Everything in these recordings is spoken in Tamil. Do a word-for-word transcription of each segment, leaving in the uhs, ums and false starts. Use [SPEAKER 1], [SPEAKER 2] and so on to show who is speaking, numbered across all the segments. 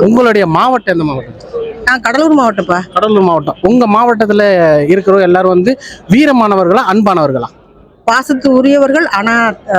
[SPEAKER 1] உங்களுடைய மாவட்டம் எந்த மாவட்டம்?
[SPEAKER 2] நான் கடலூர் மாவட்டம்ப்பா.
[SPEAKER 1] கடலூர் மாவட்டம். உங்க மாவட்டத்துல இருக்கிற எல்லாரும் வந்து வீரமானவர்களா அன்பானவர்களா?
[SPEAKER 2] பாசத்து உரியவர்கள், ஆனா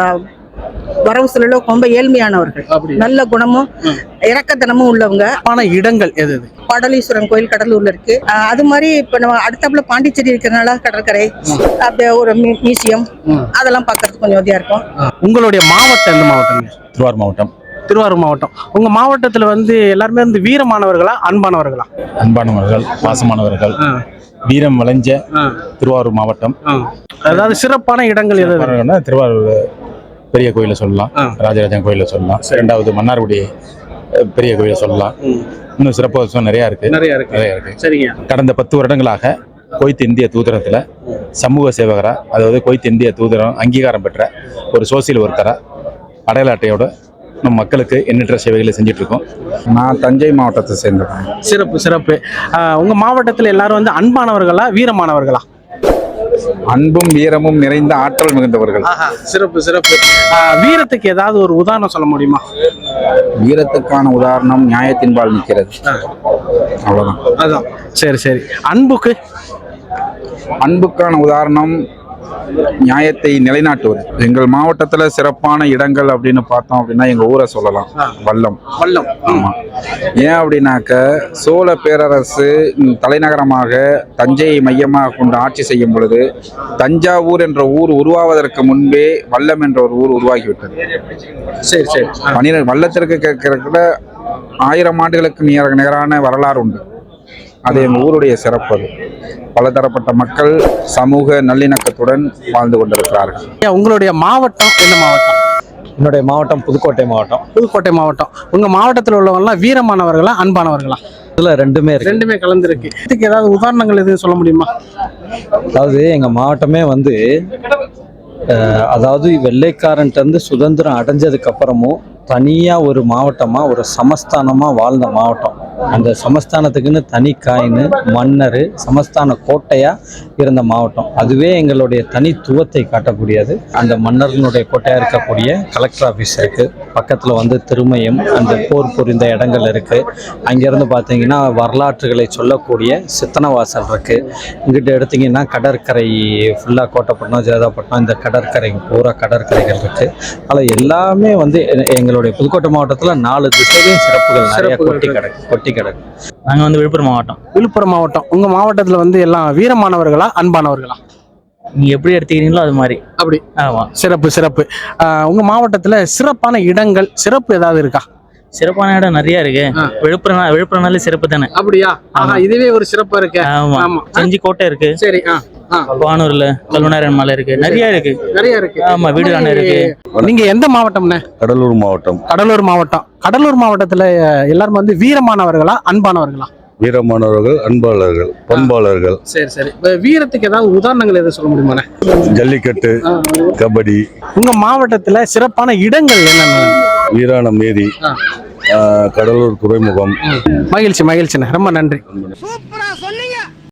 [SPEAKER 2] வரவு செலவு ரொம்ப ஏழ்மையானவர்கள். நல்ல குணமும் இறக்கத்தனமும் உள்ளவங்க.
[SPEAKER 1] ஆனா இடங்கள் எது?
[SPEAKER 2] பாடலீஸ்வரன் கோயில் கடலூர்ல இருக்கு. அது மாதிரி இப்ப நம்ம அடுத்தாப்புல பாண்டிச்சேரி இருக்கிறனால கடற்கரை, அப்படியே ஒரு மியூசியம், அதெல்லாம் பாக்குறதுக்கு கொஞ்சம் உதவியா இருக்கும்.
[SPEAKER 1] உங்களுடைய மாவட்டம் எந்த மாவட்டம்?
[SPEAKER 3] திருவாரூர் மாவட்டம்.
[SPEAKER 1] திருவாரூர் மாவட்டம். உங்க மாவட்டத்துல வந்து எல்லாருமே வந்து வீரமானவர்களா அன்பானவர்களா?
[SPEAKER 3] அன்பானவர்கள், பாசமானவர்கள், வீரம் விளைஞ்ச திருவாரூர் மாவட்டம்.
[SPEAKER 1] அதாவது சிறப்பான இடங்கள் எது?
[SPEAKER 3] திருவாரூர் பெரிய கோயிலை சொல்லலாம், ராஜராஜன் கோயிலை சொல்லலாம், இரண்டாவது மன்னார்குடி பெரிய கோயிலை சொல்லலாம். இன்னும் சிறப்பு நிறைய இருக்கு
[SPEAKER 1] நிறைய இருக்கு நிறைய இருக்கு சரிங்க.
[SPEAKER 3] கடந்த பத்து வருடங்களாக குவைத் இந்திய தூதரத்துல சமூக சேவகரா, அதாவது குவைத் இந்திய தூதரம் அங்கீகாரம் பெற்ற ஒரு சோசியல் ஒர்க்கரா அடையாள அட்டையோட நம்ம மக்களுக்கு எண்ணற்ற சேவைகளை செஞ்சுட்டு இருக்கோம்.
[SPEAKER 4] நான் தஞ்சை மாவட்டத்தை சேர்ந்தேன்.
[SPEAKER 1] சிறப்பு சிறப்பு. உங்க மாவட்டத்தில் எல்லாரும் வந்து அன்பானவர்களா வீரமானவர்களா?
[SPEAKER 4] அன்பும் வீரமும் நிறைந்த ஆற்றல் மிகுந்தவர்கள்.
[SPEAKER 1] சிறப்பு சிறப்பு. வீரத்துக்கு ஏதாவது ஒரு உதாரணம் சொல்ல முடியுமா?
[SPEAKER 4] வீரத்துக்கான உதாரணம் நியாயத்தின்பால் நிற்கிறது, அவ்வளவுதான்.
[SPEAKER 1] அதான். சரி சரி. அன்புக்கு?
[SPEAKER 4] அன்புக்கான உதாரணம் நியாயத்தை நிலைநாட்டுவது. எங்கள் மாவட்டத்துல சிறப்பான இடங்கள் அப்படின்னு பார்த்தோம் அப்படின்னா எங்க ஊரை சொல்லலாம், வல்லம்.
[SPEAKER 1] வல்லம்.
[SPEAKER 4] ஆமா. ஏன் அப்படின்னாக்க சோழ பேரரசு தலைநகரமாக தஞ்சையை மையமாக கொண்டு ஆட்சி செய்யும் பொழுது தஞ்சாவூர் என்ற ஊர் உருவாவதற்கு முன்பே வல்லம் என்ற ஒரு ஊர் உருவாகிவிட்டது.
[SPEAKER 1] சரி சரி.
[SPEAKER 4] பன்னிரண்டு வல்லத்திற்கு கேட்கிற ஆயிரம் ஆண்டுகளுக்கு நிகர நிகரான வரலாறு உண்டு. அது எங்கள் ஊருடைய சிறப்பு. அது பலதரப்பட்ட மக்கள் சமூக நல்லிணக்கத்துடன் வாழ்ந்து கொண்டிருக்கிறார்கள்.
[SPEAKER 1] உங்களுடைய மாவட்டம் எந்த மாவட்டம்?
[SPEAKER 5] என்னுடைய மாவட்டம் புதுக்கோட்டை மாவட்டம்.
[SPEAKER 1] புதுக்கோட்டை மாவட்டம். உங்க மாவட்டத்தில் உள்ளவங்கலாம் வீரமானவர்களா அன்பானவர்களா?
[SPEAKER 5] இதுல ரெண்டுமே இருக்கு.
[SPEAKER 1] ரெண்டுமே கலந்துருக்கு. இதுக்கு ஏதாவது உதாரணங்கள் எதுவும் சொல்ல முடியுமா?
[SPEAKER 5] அதாவது எங்க மாவட்டமே வந்து அதாவது வெள்ளைக்காரன்ட்டு இருந்து சுதந்திரம் அடைஞ்சதுக்கு அப்புறமும் தனியா ஒரு மாவட்டமா ஒரு சமஸ்தானமா வாழ்ந்த மாவட்டம். அந்த சமஸ்தானத்துக்குன்னு தனி காயின்னு மன்னர் சமஸ்தான கோட்டையா இருந்த மாவட்டம். அதுவே எங்களுடைய தனித்துவத்தை காட்டக்கூடியது. அந்த மன்னர்களுடைய கோட்டையா இருக்கக்கூடிய கலெக்டர் ஆஃபீஸ் இருக்கு, பக்கத்துல வந்து திருமயம், அந்த போர் புரிந்த இடங்கள் இருக்கு. அங்கிருந்து பார்த்தீங்கன்னா வரலாற்றுகளை சொல்லக்கூடிய சித்தனவாசல் இருக்கு. இங்கிட்ட எடுத்தீங்கன்னா கடற்கரை ஃபுல்லா கோட்டைப்பட்டினம், ஜேதாப்பட்டினம், இந்த கடற்கரை பூரா கடற்கரைகள் இருக்கு. அதில் எல்லாமே வந்து எங்களுடைய புதுக்கோட்டை மாவட்டத்தில் நாலு திசையிலையும் சிறப்புகள் நிறைய கொட்டி கிடக்கு கொட்டி கிடக்கு
[SPEAKER 6] நாங்கள் வந்து விழுப்புரம் மாவட்டம்.
[SPEAKER 1] விழுப்புரம் மாவட்டம். உங்க மாவட்டத்தில் வந்து எல்லாம் வீரமானவர்களா அன்பானவர்களா?
[SPEAKER 6] நீங்க எப்படி எடுத்துக்கிறீங்களோ அது மாதிரி.
[SPEAKER 1] அப்படி.
[SPEAKER 6] ஆமா.
[SPEAKER 1] சிறப்பு சிறப்பு. உங்க மாவட்டத்தில் சிறப்பான இடங்கள் சிறப்பு ஏதாவது இருக்கா?
[SPEAKER 6] சிறப்பான இடம் நிறைய இருக்கு. விழுப்புரம் விழுப்புரம்னாலே சிறப்பு தானே.
[SPEAKER 1] அப்படியா? இதுவே ஒரு சிறப்பா இருக்கு.
[SPEAKER 6] ஆமா. செஞ்சி கோட்டை இருக்கு.
[SPEAKER 1] சரி.
[SPEAKER 6] வானூர்ல கல்வனாரன் மலை இருக்கு. நிறைய இருக்கு நிறைய இருக்கு. ஆமா. வீடுகான இருக்கு.
[SPEAKER 1] நீங்க எந்த மாவட்டம்னே?
[SPEAKER 7] கடலூர் மாவட்டம்.
[SPEAKER 1] கடலூர் மாவட்டம். கடலூர் மாவட்டத்துல எல்லாரும் வந்து வீரமானவர்களா அன்பானவர்களா?
[SPEAKER 7] வீரமானவர்கள், அன்பாளர்கள், பண்பாளர்கள்.
[SPEAKER 1] சரி சரி. வீரத்துக்கு ஏதாவது உதாரணங்கள் எதாவது சொல்ல முடியுமா?
[SPEAKER 7] ஜல்லிக்கட்டு, கபடி.
[SPEAKER 1] உங்க மாவட்டத்துல சிறப்பான இடங்கள் என்னென்ன?
[SPEAKER 7] வீராணம் ஏரி, கடலூர் துறைமுகம்.
[SPEAKER 1] மகிழ்ச்சி மகிழ்ச்சிண்ணே, ரொம்ப நன்றி.